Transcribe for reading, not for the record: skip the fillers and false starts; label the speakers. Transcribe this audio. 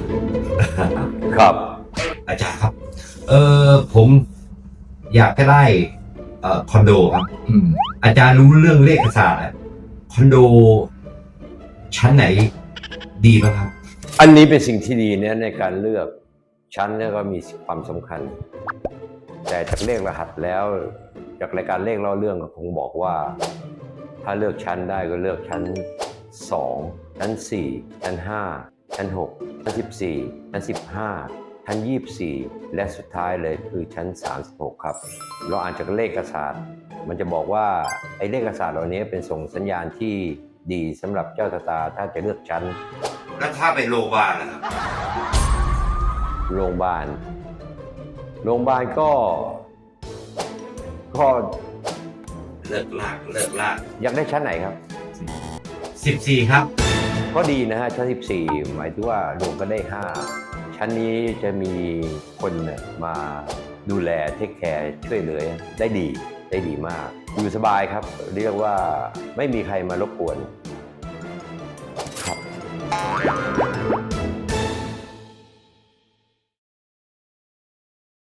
Speaker 1: ครับ
Speaker 2: อาจารย์ครับผมอยากจะได้คอนโดครับอาจารย์รู้เรื่องเลขศาสตร์คอนโดชั้นไหนดีบ้างครับ
Speaker 1: อันนี้เป็นสิ่งที่ดีเนี่ยในการเลือกชั้นเนี่ยก็มีความสำคัญแต่จากเลขรหัสแล้วจากรายการเลขเล่าเรื่องก็คงบอกว่าถ้าเลือกชั้นได้ก็เลือกชั้น2ชั้น4ชั้น5ชั้น6ชั้น14ชั้น15ชั้น24และสุดท้ายเลยคือชั้น36ครับเราอ่านจากเลขศาสตร์มันจะบอกว่าไอ้เลขศาสตร์เหล่านี้เป็นส่งสัญญาณที่ดีสำหรับเจ้าชะตาถ้าจะเลือกชั้น
Speaker 2: แล้วถ้าไปโรงพยาบาลนะครับ
Speaker 1: โรงพยาบาลก็
Speaker 2: เลิกลาก
Speaker 1: อยากได้ชั้นไหนครับ
Speaker 2: 14ครับ
Speaker 1: ก็ดีนะฮะชั้น14หมายถึงว่ารวมก็ได้5ชั้นนี้จะมีคนมาดูแลเทคแคร์ช่วยเหลือได้ดีมากอยู่สบายครับเรียกว่าไม่มีใครมารบกวนครับ